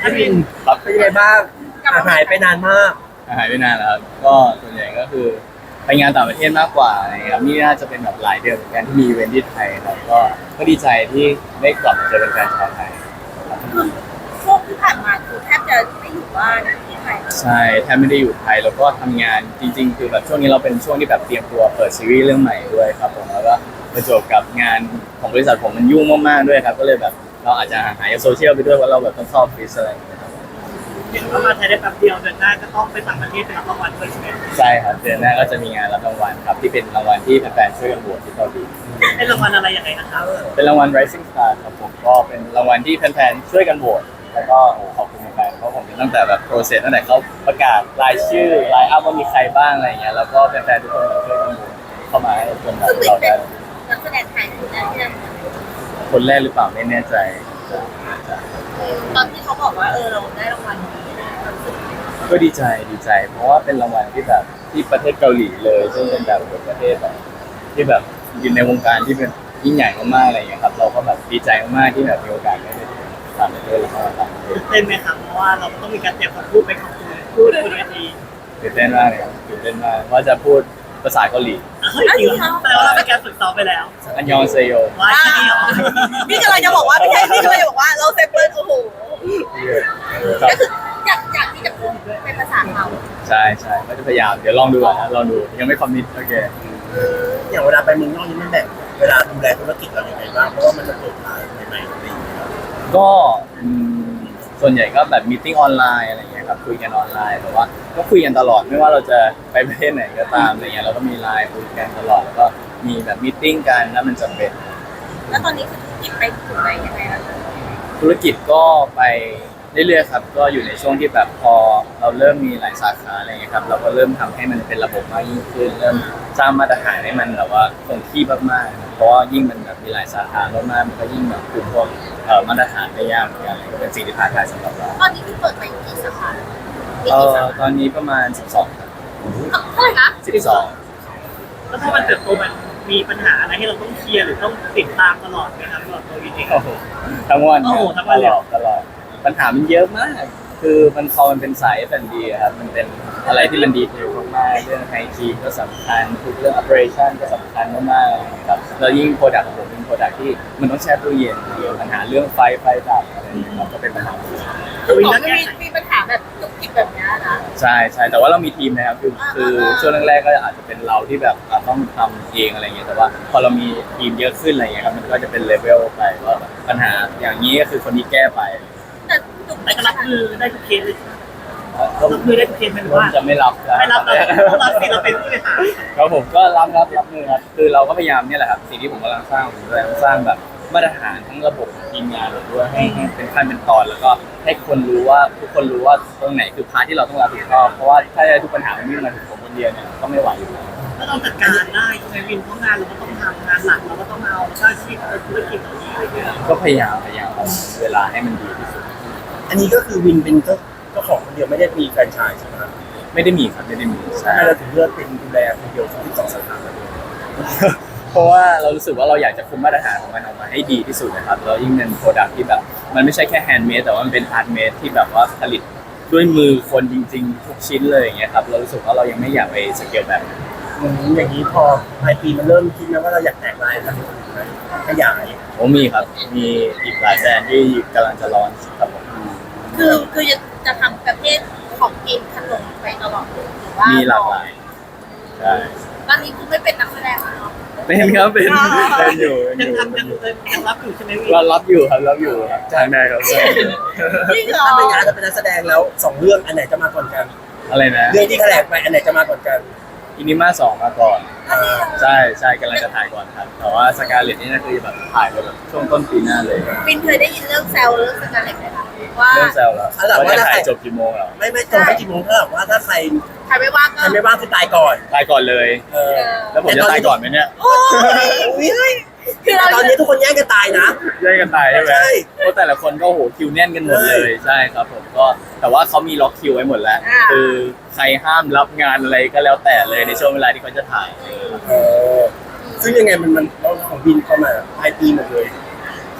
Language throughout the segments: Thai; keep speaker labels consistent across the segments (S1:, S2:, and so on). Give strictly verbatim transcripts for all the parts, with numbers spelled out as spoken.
S1: พี่วิน
S2: ครับ
S1: เป็นยังไงบ้างอ่ะหายไปนานมาก
S2: หายไปนานแล้วครับก็ส่วนใหญ่ก็คือไปงานต่างประเทศมากกว่าอะไรเงี้ยครับนี่น่าจะเป็นแบบหลายเดือนเหมือนกันที่มีอีเวนท์ที่ไทยครับก็ก็ดีใจที่ได้กลับมาเจอแฟนๆชาวไทย
S3: คือช่วงที่ผ่านมาคือแทบจะไม่อยู่บ้านที่ไทยเลย
S2: ใช่แทบไม่ได้อยู่ไทยแล้วก็ทำงานจริงๆคือแบบช่วงนี้เราเป็นช่วงที่แบบเตรียมตัวเปิดซีรีส์เรื่องใหม่ด้วยครับผมแล้วก็ประจวบกับงานของบริษัทผมมันยุ่งมากๆด้วยครับก็เลยแบบเราอาจจะหายจากโซเชียลไปด้วยว่าเราแบบต้องเข้าออฟฟิศอะไรอย่างเงี้ยครับ
S4: เห็นว่ามาไทยได้แป๊บเดียวเดือนหน้าก็ต้องไปต่างประเทศไปรับรางวัลด้วยใช่ไหม
S2: ใช่ครับเดือนหน้าก็จะมีงานรับรางวัลครับที่เป็นรางวัลที่แฟนๆช่วยกันโหวตที่เกาหลี
S4: เป็นรางวัลอะไรยังไงนะครับ
S2: เป็นรางวัล Rising Star ครับผมก็เป็นรางวัลที่แฟนๆช่วยกันโหวตแล้วก็โอ้ขอบคุณแฟนๆเพราะผมตั้งแต่แบบโปรเซสตั้งแต่เขาประกาศรายชื่อรายอัพว่ามีใครบ้างอะไรอย่างเงี้ยแล้วก็แฟนๆทุกคนแบบช่วยกันโหวตเข้ามาจนแบบ
S3: ซึ่ง
S2: เรา
S3: เป็
S2: ได้
S3: นนักแสดงไทยคนแรกที่ได้
S2: คนแรกหรือเปล่าไม่แน่ใจ
S3: ตอนที่เขาบอกว่าเออเราได้รางวัลนี้รู้สึก
S2: ก็ดีใจดีใจ เพราะว่าเป็นรางวัลที่แบบที่ประเทศเกาหลีเลยซึ่งเป็นแบบประเทศแบบที่แบบอยู่ในวงการที่เป็นยิ่งใหญ่มากๆอะไรอย่างเงี้ยครับเราก็แบบดีใจมากๆที่แบบมีโอกาสได้ไปต่างประเทศแล้วก็ต่างประเทศ
S4: ตื่นเต้นไหมครับเพราะว่าเราต้องมีการเตรียมคำพูดไปขอบคุณพูดบนเวที
S2: ตื่นเต้นมากเลยครับตื่นเต้นมากว่าจะพูดภาษาเกาหลี
S4: เฮ้ยจริงเหรอแปลว่าเราเป็นการฝึกซ้อมไปแล้ว
S2: อันยองเซโย
S4: ว่าที่นี่เหรอ
S3: พี่กำลังจะบอกว่าพี่ใช่พี่กำลังจะบอกว่าเราเซฟเปิลโอ้โห
S2: ครับ
S3: ก็คืออยากอยากที่จะพูดเป็นภาษาเขา
S2: ใช่ใช่ก็จะพยายามเดี๋ยวลองดูก่อนนะลองดูยังไม่คอมมิตโอเค
S1: อย่างเวลาไปเมืองนอกนี่มันแบ่งเวลาดูแลธุรกิจเราอย่างไรบ้างเพราะว่ามันจะเปิดทางใหม่ๆอะไรอย่างเงี้ยครับ
S2: ก็อืมส่วนใหญ่ก็แบบมีติ้งออนไลน์อะไรอย่างเงี้ยครับคุยกันออนไลน์แต่ว่าก็คุยกันตลอดไม่ว่าเราจะไปประเทศไหนก็ตามอะไรเงี้ยเราก็มีไลน์คุยกันตลอดแล้วก็มีแบบมีติ้งกันถ้ามันจำเป็น
S3: แล้วตอนนี้คือธุรกิจไปถึงไหนยังไงแล้ว
S2: ธุรกิจก็ไปเรื่อยๆครับก็อยู่ในช่วงที่แบบพอเราเริ่มมีหลายสาขาอะไรเงี้ยครับเราก็เริ่มทำให้มันเป็นระบบมากยิ่งขึ้นเริ่มสร้างมาตรฐานให้มันแบบว่าคงที่มากๆเพราะว่ายิ่งมันแบบมีหลายสาขามากๆมันก็ยิ่งแบบคุมพวกเอ่อมาตรฐานได้ยากเหมือนกันก็เป็นสิ่งที่ท้าทายสำหรับเรา
S3: ตอนนี้พี่เปิดไปกี่สาขามี
S2: เอ่
S3: กี่
S2: อ
S3: สา
S2: ตอนนี้ประมาณสิบสองครับ
S3: ขาเท่าไหร่คะ
S2: สิบสอง
S4: แล้วพอมันเติบโตมันมีปัญหาอะไรที่เราต้องเคลียร์หรือต้องติดตามตลอดไหมครับตลอดตัววินเอง
S2: โอ้โหทั้งวัน
S4: โอ้โหทั้งวัน
S2: ต
S4: เลย
S2: ลอดตลอดปัญหามันเยอะมาก คือมันพอมันเป็นสาย เอฟ แอนด์ บี อะครับมันเป็นอะไรที่มันดีเทลมากๆเรื่องไฮจีนก็สำคัญทุกเรื่อง operation ก็สำคัญมากๆครับแล้วยิ่งโปรดักต์ของผมเป็นโปรดักต์ที่มันต้องแช่ตู้เย็นเดียวปัญหาเรื่องไฟไฟดับอะไรอย่างเงี้ยครับก็เป็นปัญหา
S3: คือของมันมีมีปัญหาแบบจุกจิกแบบเนี้ยนะ
S2: ใช่ใช่แต่ว่าเรามีทีมนะครับคือคือช่วงแรกๆก็อาจจะเป็นเราที่แบบอ่ะต้องทำเองอะไรเงี้ยแต่ว่าพอเรามีทีมเยอะขึ้นอะไรเงี้ยครับมันก็จะเป็นเลเวลไปว่าแบบปัญหาอย่างนี้ก็คือคนนี้แก้ไป
S3: แต่จุก
S4: แต่
S3: จิก
S4: ก็
S3: ข
S4: รับ
S3: นาด
S4: มือได้ทุกเคสเลย
S2: ก็
S4: รับมือได้ทุกเคสไหม
S2: ผม
S4: ว่า
S2: จะไม่รับนะ
S4: ไม่รับเราเราสิเราเป็นผู้บริหาร
S2: ครับผมก็รับรับรับมือครับคือเราก็พยายามเนี่ยแหละครับสิ่งที่ผมกำลังสร้างผมกำลังสร้างแบบมาตรฐานทั้งระบบทีมงานเราด้วยให้ให้เป็นขั้นเป็นตอนแล้วก็ให้คนรู้ว่าทุกคนรู้ว่าตรงไหนคือพาร์ทที่เราต้องรับผิดชอบเพราะว่าถ้าทุกปัญหามันวิ่งมาถึงผมคนเดียวเนี่ยก็ไม่ไหวอยู่แล้ว
S4: ก็ต้องจัดการได้ในวินเพราะงานเราก็ต้องทำงานหลักเราก็ต้องเอาแล้วก็อาชีพธุรกิจเหล่านี้อะไรเงี้ย
S2: ก็พยายามพยายามเอาเวลาให้มันดีที่สุด
S1: อันนี้ก็คือวินเป็นเจ้าเจ้าของคนเดียวไม่ได้มีแฟรนไชส์ใช่ไหมครับ
S2: ไม่ได้มีครับไม่ได้มีใช่
S1: ทำไมเราถึงเลือกเป็นดูแลคนเดียวที่สองสาขาเลย
S2: เพราะว่าเรารู้สึกว่าเราอยากจะคุมมาตรฐานของมันออกมาให้ดีที่สุดนะครับแล้วยิ่งเป็นโปรดักที่แบบมันไม่ใช่แค่แฮนด์เมดแต่ว่ามันเป็นอาร์ตเมดที่แบบว่าผลิตด้วยมือคนจริงๆทุกชิ้นเลยอย่างเงี้ยครับเรารู้สึกว่าเรายังไม่อยากไปสเกลแบบนั้น
S1: อืมอย่างนี้พอปลายปีมันเริ่มคิดนะว่าเราอยากแตกลายแล้วขยาย
S2: ผมมีครับมีอีกหลายแบรนด์ที่กำลังจะร้อนครับผม
S3: คือคือจะจะทำประเภทของกินขนมไปตลอดหรือว่า
S2: มี
S3: มี
S2: หลากหลายใช่
S3: ตอนนี้คือไม่เป็นนักแสดงแล้วเนาะ
S2: เป็นครับเป็นเป็นอยู่เป็น
S4: ยัง
S2: อยู่
S4: ทำยังยังรับอยู่ใช่ไหมวิน
S2: เรารับอยู่ครับรับอยู่ครับจ้างได้ครับ
S3: จริงเหรอ
S1: ถ้าเป็นงานจะเป็นนักแสดงแล้วสองเรื่องอันไหนจะมาก่อนกัน
S2: อะไรนะ
S1: เรื่องที่แถลงไปอันไหนจะมาก่อนกัน
S2: อินิมาสองมาก่อน
S1: อ่า
S2: ใช่ใช่กำลังจะถ่ายก่อนครับแต่ว่าสกาเลตนี่น่าคือแบบถ่ายไปแบบช่วงต้นปีหน้าเลย
S3: วินเคยได้ยินเรื่องแซวเรื่องสการเล็ตไหมคะว่า
S2: เรื่องแซวแล้วว่าจะถ่ายจบกี่โมงแล้ว
S1: ไม่ไม่ตรงไปกี่โมงเท่ากับว่าถ้าใคร
S3: ใครไม่ว่างก็
S1: ใครไม่ว่างคือตายก่อน
S2: ตายก่อนเลย
S1: เออ
S2: แล้วผมจะตายก่อนไหมเนี่ย
S3: โอ้ย
S1: อุ๊ย
S3: คือเรา
S1: ตอนนี้ทุกคนแย่งกันตายนะ
S2: แย่งกันตายใช่ไหม
S1: ใช่
S2: เพราะแต่ละคนก็โหคิวแน่นกันหมดเลยใช่ครับผมก็แต่ว่าเขามีล็อกคิวไว้หมดแล้ว คือใครห้ามรับงานอะไรก็แล้วแต่เลยในช่วงเวลาที่เขาจะถ่าย
S1: เออซึ่งยังไงมันมันเราของบินเข้ามาปลายปีหมดเลย
S2: ข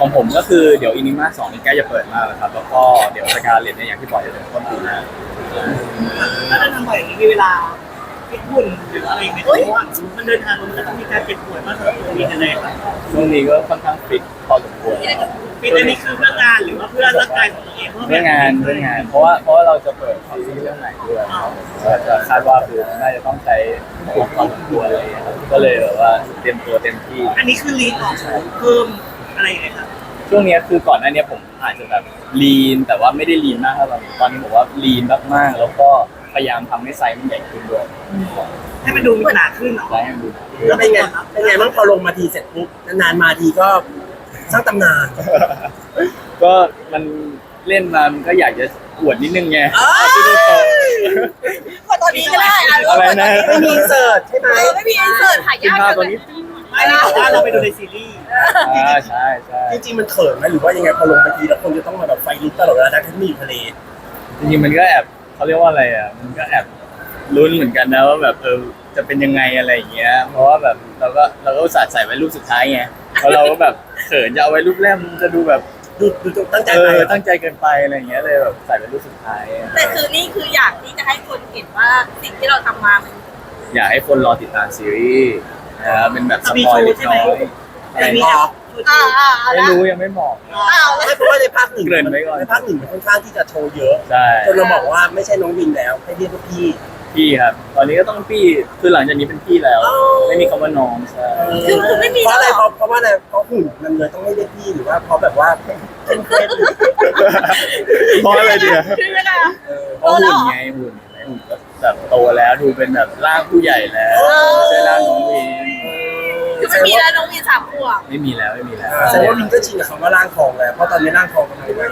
S2: ของผมก็คือเดี๋ยวอินิมาสองนี่ใกล้จะเปิดมากแล้วครับแล้วก็เดี๋ยวสกาเลตเนี่ยอย่างที่บอกจะเป็นต้นปีหน้า
S4: ถ้าได้ทำบ่อยอย่างนี้มีเวลาฟิตหุ่นหรืออะไรไหมเพราะว่ามันเดินทางมันก็ต้องมีการเจ็บป่วยมากสำหรับตัวนี้กันเลยครับ
S2: ช่วงนี้ก็ค่อนข้างฟิตพอสมควร
S4: ฟิตอันนี้คือเพื่องานหรือว่าเพื่อร่างกายของตัวเอง
S2: เรื่องงานเรื่องงาน เพราะว่าเพราะว่าเราจะเปิดคอมซีเรื่องใหม่ด้วยครับก็จะคาดว่าคือน่าจะต้องใช้พอสมควรอะไรอย่างเงี้ยครับก็เลยแบบว่าเตรียมตัวเต็มที่
S4: อันนี้คือรีดออกเพิ่มอะไรอย่างเงี้ยครับ
S2: ช่วงเนี้ยคือก่อนหน้าเนี้ยผมอาจจะแบบลีนแต่ว่าไม่ได้ลีนมากเท่าไหร่ตอนนี้ผมว่าลีนมากๆแล้วก็พยายามทำให้ไซส์มันใหญ่ขึ้นด้วย
S4: ให้มันดูมีขนาดขึ้นเหรอ
S2: ไซส์ให้มันดู
S1: แล้วเป็นไงเป็นไงบ้างพอลงมาทีเสร็จปุ๊บนานๆมาทีก็สร้างตำนาน
S2: ก็มันเล่นมามันก็อยากจะอวดนิดนึงไง
S1: เอ้ย
S2: ที่ดูโต
S3: กดตอนนี้ก็ได้
S2: อะไรนะ
S1: ไม่มีอินเสิร์ตใช่ไหม
S3: เออไม่มีอินเสิร์ตหา
S2: กิน
S3: ยาก
S2: ข้าวตัวนี้
S4: ไม่ได้บอกว่าเราไปดูในซีรีส์
S2: อ่าใช่ใช่
S1: จริงๆมันเขินไหมหรือว่ายังไงพอลงไปทีแล้วคนจะต้องมาแบบไฟลุกตลอดเวลาทั้งที่มีอยู่ทะเล
S2: จริงๆมันก็แอบเขาเรียกว่าอะไรอ่ะมันก็แอบลุ้นเหมือนกันนะว่าแบบเออจะเป็นยังไงอะไรอย่างเงี้ยเพราะว่าแบบเราก็เราก็อุตส่าห์ใส่ไว้รูปสุดท้ายไงเพราะเราก็แบบเขินจะเอาไว้รูปแรกมันจะดูแบบ
S1: ดูดูตั้งใจ
S2: เอ
S1: ไป
S2: อตั้งใจเกินไปอะไรอย่างเงี้ยเลยแบบใส่เป็นรูปสุดท้าย
S3: แต่คือนี่คืออยากที่จะให้คนเห็นว่าสิ่งที่เราทำมามัน
S2: อยากให้คนรอติดตามซีรีส์นะครับเป็นแบบสปอยเล็กน้อยอะไร
S4: มี
S2: นะ
S3: อ่าอ่าอ่า
S2: ไม่รู้ยังไม่บอก
S3: อ้าวแล้ว
S1: ไม่เพราะว่าในภาคหนึ่ง
S2: เกริ่นไว้ก่อน
S1: ในภาคหนึ่งมันค่อนข้างที่จะโชว์เยอะ
S2: ใช่
S1: จนเราบอกว่าไม่ใช่น้องวินแล้วให้เรียกว่าพี่
S2: พี่ครับ ตอนนี้ก็ต้องพี่คือหลังจากนี้เป็นพี่แล้ว
S1: อ๋อ
S2: ไม่มีคำว่าน้องใช่
S3: คือคือไม่มี
S1: เพราะอะไร
S3: แล้ว
S1: เพ
S3: เหรอ
S1: ราะเพราะว่าอะไรเพราะหุ่นมันเลยต้องให้เรียกพี่หรือว่าเพราะแบบว่าเป็นเฟซ
S2: เพราะอะไรเดียว
S3: คือยังไงอะ
S2: เพราะหุ่นไงหุ่นไงหุ่นก็แบบโตแล้วดูเป็นแบบร่างผู้ใหญ่แล้วไม่ใช่ร่างน้องวิน
S3: คือไม่มีแล้วน้องมีสามขวบ
S2: ไม่มีแล้วไม่มีแล้ว
S1: แสดงว่าวินก็ชินกับคำว่าร่างทองแล้วเพราะตอนนี้ร่างทองกำลังมา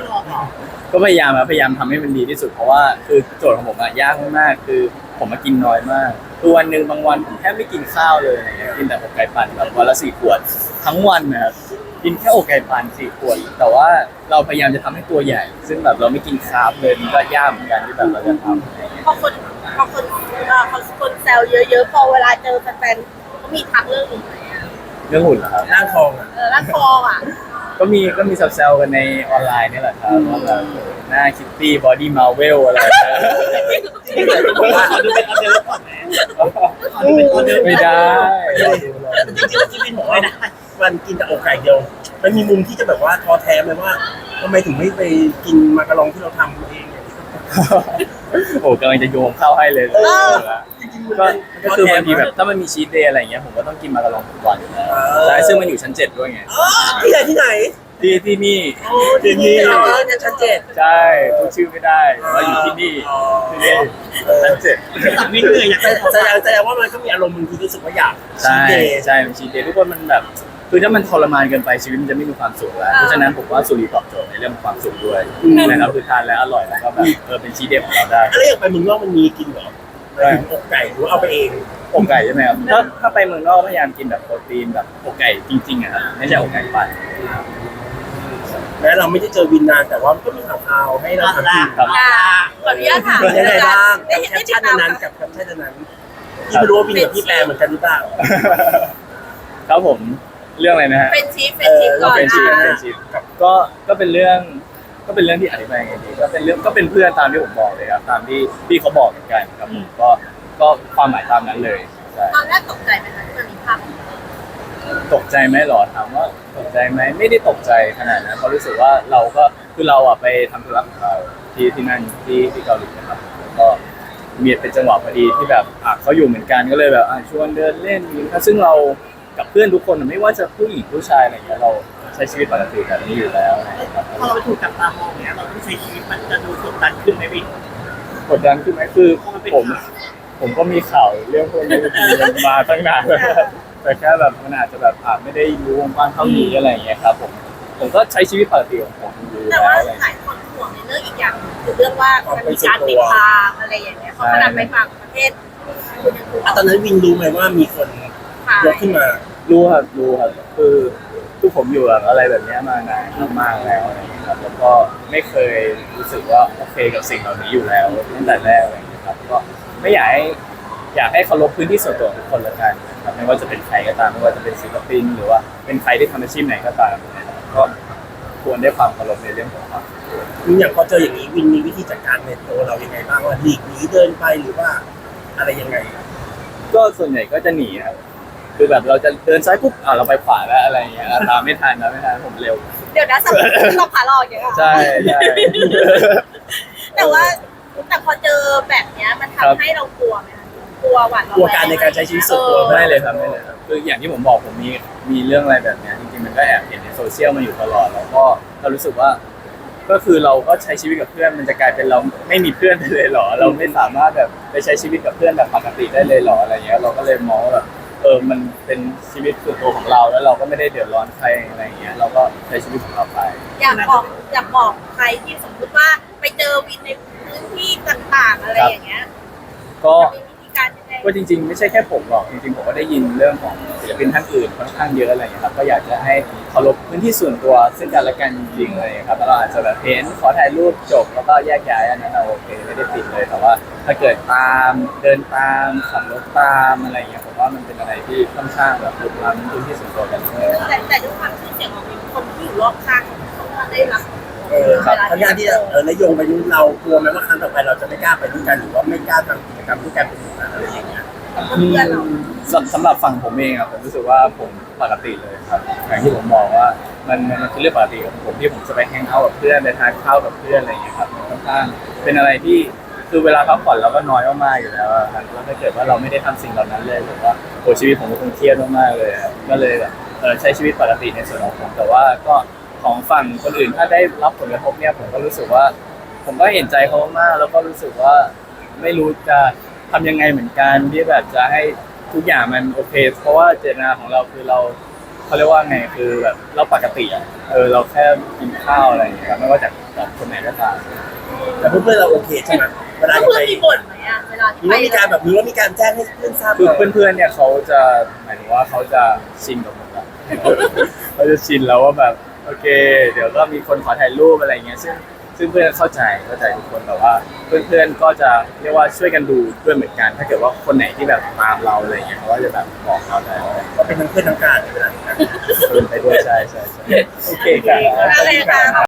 S2: ก็พยายามครับพยายามทำให้มันดีที่สุดเพราะว่าคือโจทย์ของผมอะยากมากๆคือผมมากินน้อยมากคือวันหนึ่งบางวันผมแทบไม่กินข้าวเลยอะไรเงี้ยกินแต่อกไก่ปั่นแบบวันละสี่ขวดทั้งวันนะครับกินแค่อกไก่ปั่นสี่ขวดแต่ว่าเราพยายามจะทำให้ตัวใหญ่ ซึ่งแบบเราไม่กินคาร์บเลยมันก็ยากเหมือนกันที่แบบเราจะทำอะไรเงี้ย
S3: พอคนพอคนเอ่อพอคนแซวเยอะๆพอเวลาเจอแฟนๆเขามีทักเรื่องนี้ไหมอะ
S2: เรื่องหุ่นเหรอครับ
S1: ร่างทองอ่ะ
S3: เออร่างทองอ่ะ
S2: ก็มีก็มีแซวๆกันในออนไลน์นี่แหละครับว่าแบบหน้าคิตตี้บอดี้มาเวลอะไรนะ
S1: ที่ไหนก็บอกว่า
S4: ขอดูเป็นออเดอร์ก่อนนะขอดูเป็นออเดอร์
S2: ไม่ได้
S1: จริงๆที่วินบอกว่ามันกินแต่อกไก่เดียวมันมีมุมที่จะแบบว่าท้อแท้ไหมว่าทำไมถึงไม่ไปกินมาการองที่เราทำเองเนี่ย
S2: โอ้กำลังจะโยงเข้าให้เลยก็ก็คือบางทีแบบถ้ามันมีชีทเดย์อะไรอย่างเงี้ยผมก็ต้องกินมาการองทุกวันอยู่แล้วใช่ซึ่งมันอยู่ชั้นเจ็ดด้วยไง
S1: อ๋อที่ไหนที่ไหน
S2: ที่ที่นี่
S1: โอ้ที่นี่เหรอเนี่ยชั้นเจ็ด
S2: ใช่พูดชื่อไม่ได้ว่าอยู่ที่นี่ที่นี่ชั้นเจ็ด
S4: สามีเหนื่อยอยาก
S1: แส
S4: ได้
S1: ดงแสดงว่ามันก็มีอารมณ์บางทีรู้สึกว่าอยาก
S2: ใช่
S1: ชีทเดย์
S2: ใช่มันชีทเดย์ทุกคนมันแบบคือถ้ามันทรมานเกินไปชีวิตมันจะไม่มีความสุขแล้วเพราะฉะนั้นผมว่าสุรีตอบโจทย์ในเรื่องของความสุขด้วยนะครับคือทานแล้วอร่อยแล้วก็แบบเออเป็นชีทเดย์ของเราได้
S1: แล้วอย่างไปเมืองนอกมันมีกินเหรออกไก่หรือว่าเอาไปเอง
S2: อกไก่ใช่ไหมครับถ้าถ้าไปเมืองนอกพยายามกินแบบโปรตีนแบบอกไก่จริงๆอะครับไม่ใช่อกไก่ปั่น
S1: แม้เราไม่ได้เจอวินนานแต่ว่าก็มีข่าวๆให้เราทำกิน
S2: ครับ
S3: อ่าขออนุญาตถาม
S1: เป็นยังไงบ้าง
S3: ได้
S1: กับแค
S3: ได้
S1: ป
S3: ติ
S1: ชั่
S3: ด
S1: น
S3: ตาม
S1: นั้นกับแคปชั่นนั้นที่ไม่รู้ว่าวินกับพี่แปลเหมือนกันหรือเปล่า
S2: ครับผมเรื่องอะไรนะฮะ
S3: เป็นชีฟเป็นชีฟก่อน
S2: เป็นชีพ
S3: อ่ะ
S2: เป็นชีพก็ก็เป็นเรื่องก็เป็นเรื่องที่อธิบายไงดีก็เป็นเรื่องก็เป็นเพื่อนตามที่ผมบอกเลยครับตามที่พี่เขาบอกเหมือนกันครับผมก็ก็ความหมายตามนั้นเลยใช่
S3: ตอนแรกตกใจไหมคะที่มันมีภาพ
S2: ตกใจไหมหรอถามว่าตกใจไหมไม่ได้ตกใจขนาดนั้นเพราะรู้สึกว่าเราก็คือเราอ่ะไปทำธุระของเราที่ที่นั่นที่ที่เกาหลีนะครับแล้วก็มีเป็นจังหวะพอดีที่แบบอ่ะเขาอยู่เหมือนกันก็เลยแบบอ่ะชวนเดินเล่นซึ่งเรากับเพื่อนทุกคนไม่ว่าจะผู้หญิงผู้ชายอะไรอย่างเงี้ยเราใช้ชีวิตปกติแบบนี้อยู่แล้วนะครับ
S4: พอเราไปถูกจับตามองเนี่ยเราต้องใช้ชีวิตมันจะดูกดดันขึ้นไหมวิน
S2: กดดันขึ้นไหมคือผมผมก็มีข่าวเรื่องพวกนี้มาตั้งนานแล้วแต่แค่แบบมันอาจจะแบบอาจไม่ได้รู้วงกว้างเท่านี้อะไรอย่างเงี้ยครับผมผมก็ใช้ชีวิตปกติของผมอยู่
S3: แต่
S2: แล้ว
S3: ว่า
S2: อะไรอย่าง
S3: ห
S2: เงี้ย
S3: ลายคนห่วงในเรื่องอีกอย่างคือเรื่องว่ามันมีการติดตามอะไรอย่างเงี้ยเขาขนาดไปต่างประเทศคุณยังถูก
S1: ตอนนั้นวินรู้ไหมว่ามีคน
S3: ถ่าย
S1: ยกขึ้นมา
S2: รู้ครับรู้ครับคือคือผมอยู่แบบอะไรแบบเนี้ยมานานมากๆแล้วอะไรอย่างเงี้ยครับแล้วก็ไม่เคยรู้สึกว่าโอเคกับสิ่งเหล่านี้อยู่แล้วตั้งแต่แรกอะไรอย่างเงี้ยครับก็ไม่อยากให้อยากให้เคารพพื้นที่ส่วนตัวของทุกคนละกันนะครับไม่ว่าจะเป็นใครก็ตามไม่ว่าจะเป็นศิลปินหรือว่าเป็นใครที่ทำอาชีพไหนก็ตามนะครับก็ควรได้ความเคารพในเรื่องของเขา
S1: อย่างพอเจออย่างนี้วินมีวิธีจัดการในตัวเรายังไงบ้างว่าหลีกหนีเดินไปหรือว่าอะไรยังไง
S2: ก็ส่วนใหญ่ก็จะหนีครับคือแบบเราจะเดินซ้ายปุ๊บอ่าเราไปขวาแล้วอะไรอย่างเงี้ยตามไม่ทันนะไม่ทันผมเร็ว
S3: เดี๋ยวนะสำหรับเราขาหลอกอย่างเงี้ย
S2: ใช่ใช่
S3: แต่ว่าแต่พอเจอแบบเนี้ยมันทำให้เรากลัวไหมคะกลัวหวาดระแวง
S1: กลัวการในการใช้ชีวิตส่วนตัว
S2: ไม่เลยครับไม่เลยครับคืออย่างที่ผมบอกผมมีมีเรื่องอะไรแบบเนี้ยจริงๆมันก็แอบเห็นในโซเชียลมาอยู่ตลอดแล้วก็เรารู้สึกว่า ก็คือเราก็ใช้ชีวิตกับเพื่อนมันจะกลายเป็นเราไม่มีเพื่อนไปเลยเหรอเราไม่สามารถแบบไปใช้ชีวิตกับเพื่อนแบบปกติได้เลยเหรออะไรเงี้ยเราก็เลยมองว่าแบบเออมันเป็นชีวิตส่วนตัวของเราแล้วเราก็ไม่ได้เดือดร้อนใครอะไรเงี้ยเราก็ใช้ชีวิตของเราไป
S3: อยากบอกอยากบอกใครที่สมมติว่าไปเจอวินในพื้นที่ต่างๆอะไรอย่างเงี้ย
S2: ก็
S3: จะมีวิธีการยังไง
S2: ก็จริงๆไม่ใช่แค่ผมหรอกจริงๆผมก็ได้ยินเรื่องของศิลปินท่านอื่นค่อนข้างเยอะอะไรอย่างเงี้ยครับก็อยากจะให้เคารพพื้นที่ส่วนตัวซึ่งกันและกันจริงๆอะไรอย่างเงี้ยครับแล้วเราอาจจะแบบเห็นขอถ่ายรูปจบแล้วก็แยกย้ายอันนั้นเราโอเคไม่ได้ติดเลยแต่ว่า ถ้าเกิดตามเดินตามขับรถตามอะไรอย่างเงี้ยผมว่ามันเป็นอะไรที่ค่อนข้างแบบลุกล้ำพื้นที่ส่วนตัวกันเลย
S3: แต่แต่ด้วยความชื่อเสียงของวินคนที่อยู่รอบข้างเขาก็ได้รับ
S1: เออครับทั้งงานที่เออนายงไปนู้นเรากลัวไหมว่าครั้งต่อไปเราจะไม่กล้าไปด้วยกันหรือว่าไม่กล้าทำกิจกรรมด้วยกันเป็นอะไรอย่างเงี้ย
S3: เพื่อนเรา
S2: สำสำหรับฝั่งผมเองอะผมรู้สึกว่าผมปกติเลยครับอย่างที่ผมบอกว่ามันมันมันคือเรื่องปกติของผมที่ผมจะไปแฮงเอาท์กับเพื่อนไปทานข้าวกับเพื่อนอะไรอย่างเงี้ยครับมันค่อนข้างเป็นอะไรที่คือเวลาพักผ่อนเราก็น้อยมากๆอยู่แล้วอะครับแล้วถ้าเกิดว่าเราไม่ได้ทำสิ่งเหล่านั้นเลยผมว่าโอ้ชีวิตผมก็คงเครียดมากๆเลยอะก็เลยแบบเออใช้ชีวิตปกติในส่วนของผมแต่ว่าก็ของฝั่งคนอื่นถ้าได้รับผลกระทบเนี่ยผมก็รู้สึกว่า ผมก็เห็นใจเขามากแล้วก็รู้สึกว่าไม่รู้จะทำยังไงเหมือนกันที่แบบจะให้ทุกอย่างมันโอเค เพราะว่าเจตนาของเราคือเราเขาเรียกว่าไงคือแบบเราปกติอ่ะเออเราแค่กินข้าวอะไรอย่างเงี้ยครับไม่ว่าจากจากคนไหนก็ตาม
S1: แต่เพื่อนๆเราโอเคใช่ไหมเวลา
S3: แล้ว
S1: จะ
S3: เพื่
S1: ไป
S3: อนมีบ่นไหมอะเวลาที่
S1: มี
S3: ไป
S1: ว่ามีการแบบนี้ว่ามีการแจ้งให้เพื่อนทราบ
S2: คือ
S1: ก่อน
S2: เพื่อนๆเนี่ยเขาจะหมายถึงว่าเขาจะชินกับผมแล้ว เขาจะชินแล้วว่าแบบโอเค เดี๋ยวก็มีคนขอถ่ายรูปอะไรอย่างเงี้ยซึ่งซึ่งเพื่อนเข้าใจเข้าใจทุกคนแต่ว่าเพื่อนๆก็จะเรียกว่าช่วยกันดูด้วยเหมือนกัน ถ้าเกิดว่าคนไหนที่แบบตามเราอะไรอย่างเงี้ยเขาก็จะแบบบอกเราได้ว่า
S1: ก็เป็นทั้งเพื่อนทั้งการในเวลานี้
S2: เดินไปด้วยใช่ใช่ใช่โอเคครับ
S3: อะไรคะ